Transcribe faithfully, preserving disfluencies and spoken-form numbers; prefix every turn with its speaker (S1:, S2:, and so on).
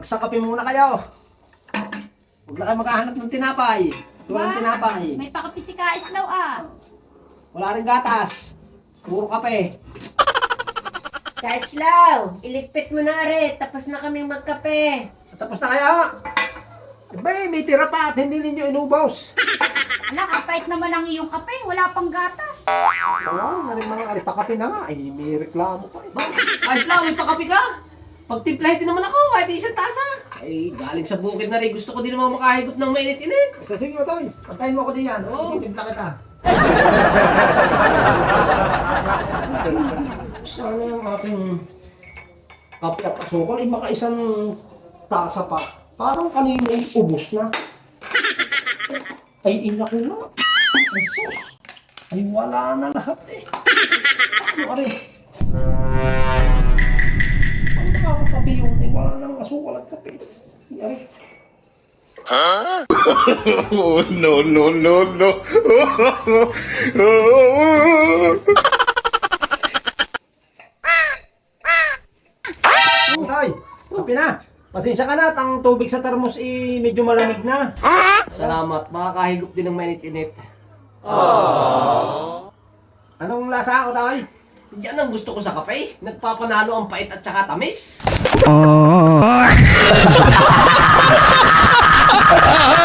S1: Magsakape muna kayo. Huwag na kayo maghahanap ng tinapay. Walang tinapay.
S2: May pakapi si Kaislaw ah.
S1: Wala rin gatas. Puro kape.
S3: Kaislaw, iligpit mo na rin. Tapos na kaming magkape.
S1: Tapos na kaya? Abay, may tira pa at hindi ninyo inubos.
S2: Ala, kapait naman ang iyong kape. Wala pang gatas.
S1: Oo, na rin mga aripakape na nga. Ay, may reklamo pa eh.
S4: Ayos lang, may pakapi ka. Pagtimplahin din naman ako, kahit isang tasa. Ay, galing sa bukid na rin. Gusto ko din naman makahigot ng mainit-init.
S1: So, sige mo, Toy. Pantayin mo ko din yan.
S4: Oo.
S1: Timpla kita. Sana yung aking kape at asukal ay maka isang tasa pa. Parang kanina ay ubos na. Ay, ina ko na. Ay, sus. Ay, wala na lahat eh. Paano ka rin? Paano nakakape yung ay wala nang asukal at kape? Ay,
S5: Oh, no, no, no, no.
S1: Tay, kape na. Pasensya ka na at ang tubig sa termos i medyo malamig na.
S4: Salamat, makakahigop din ng mainit-init.
S1: Anong lasa ako, Tay?
S4: Yan ang gusto ko sa kape. Nagpapanalo ang pait at saka tamis.